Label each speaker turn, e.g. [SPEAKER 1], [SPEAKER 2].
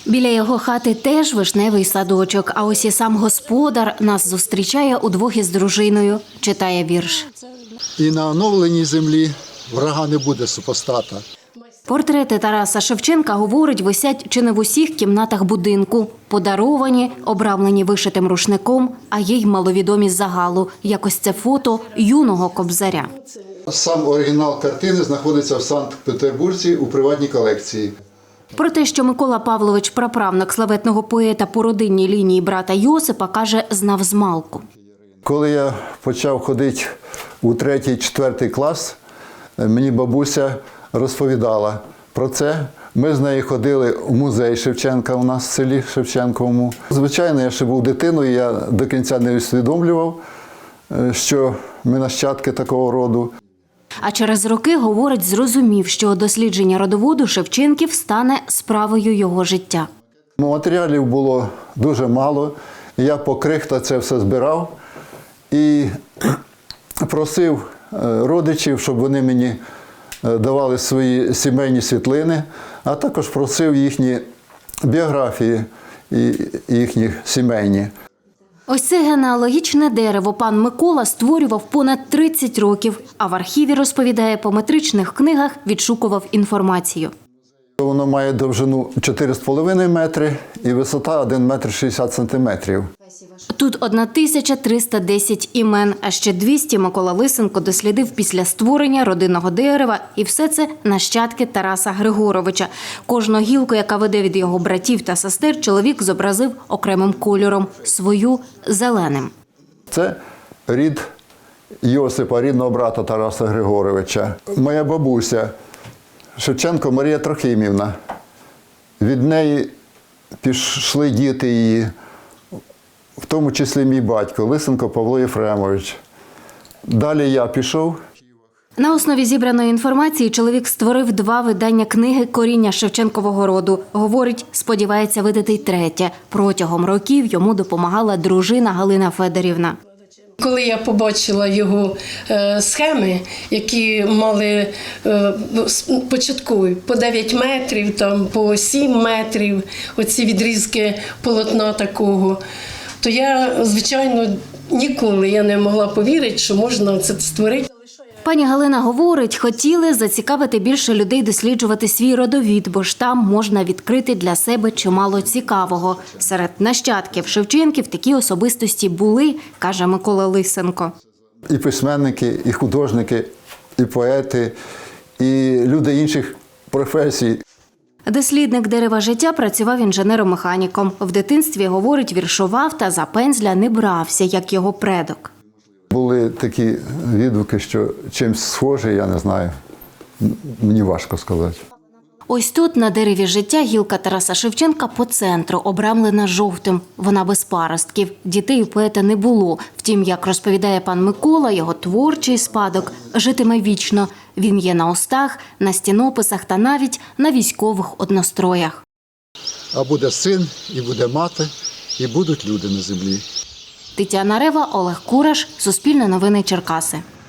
[SPEAKER 1] Біля його хати теж вишневий садочок, а ось і сам господар нас зустрічає удвох із дружиною, читає вірш.
[SPEAKER 2] І на оновленій землі врага не буде супостата.
[SPEAKER 1] Портрети Тараса Шевченка, говорить, висять чи не в усіх кімнатах будинку. Подаровані, обрамлені вишитим рушником, а є й маловідомі з загалу. Якось це фото юного Кобзаря.
[SPEAKER 2] Сам оригінал картини знаходиться в Санкт-Петербурзі у приватній колекції.
[SPEAKER 1] Про те, що Микола Павлович – праправник славетного поета по родинній лінії брата Йосипа, каже, знав змалку.
[SPEAKER 2] Коли я почав ходити у 3-4 клас, мені бабуся розповідала про це. Ми з нею ходили в музей Шевченка у нас в селі Шевченковому. Звичайно, я ще був дитиною, я до кінця не усвідомлював, що ми нащадки такого роду.
[SPEAKER 1] А через роки, говорить, зрозумів, що дослідження родоводу Шевченків стане справою його життя.
[SPEAKER 2] Матеріалів було дуже мало, я по крихтах це все збирав і просив родичів, щоб вони мені давали свої сімейні світлини, а також просив їхні біографії і їхні сімейні.
[SPEAKER 1] Ось це генеалогічне дерево пан Микола створював понад 30 років, а в архіві, розповідає, по метричних книгах відшукував інформацію.
[SPEAKER 2] Воно має довжину 4,5 метри і висота 1 метр 60 сантиметрів.
[SPEAKER 1] Тут 1310 імен, а ще 200 Микола Лисенко дослідив після створення родинного дерева, і все це нащадки Тараса Григоровича. Кожну гілку, яка веде від його братів та сестер, чоловік зобразив окремим кольором, свою – зеленим.
[SPEAKER 2] Це рід Йосипа, рідного брата Тараса Григоровича. Моя бабуся Шевченко Марія Трохимівна. Від неї пішли діти її, в тому числі мій батько Лисенко Павло Єфремович. Далі я пішов.
[SPEAKER 1] На основі зібраної інформації чоловік створив 2 видання книги «Коріння Шевченкового роду». Говорить, сподівається видати й третє. Протягом років йому допомагала дружина Галина Федорівна.
[SPEAKER 3] Коли я побачила його схеми, які мали початкові по 9 метрів, там, по 7 метрів, оці відрізки полотна такого, то я, звичайно, ніколи я не могла повірити, що можна це створити.
[SPEAKER 1] Пані Галина говорить, хотіли зацікавити більше людей досліджувати свій родовід, бо ж там можна відкрити для себе чимало цікавого. Серед нащадків Шевченків такі особистості були, каже Микола Лисенко.
[SPEAKER 2] І письменники, і художники, і поети, і люди інших професій.
[SPEAKER 1] Дослідник дерева життя працював інженером-механіком. В дитинстві, говорить, віршував та за пензля не брався, як його предок.
[SPEAKER 2] Були такі відгуки, що чимось схожий, я не знаю, мені важко сказати.
[SPEAKER 1] Ось тут, на дереві життя, гілка Тараса Шевченка по центру, обрамлена жовтим. Вона без паростків. Дітей у поета не було. Втім, як розповідає пан Микола, його творчий спадок житиме вічно. Він є на устах, на стінописах та навіть на військових одностроях.
[SPEAKER 2] А буде син, і буде мати, і будуть люди на землі.
[SPEAKER 1] Тетяна Рева, Олег Кураш, Суспільне новини Черкаси.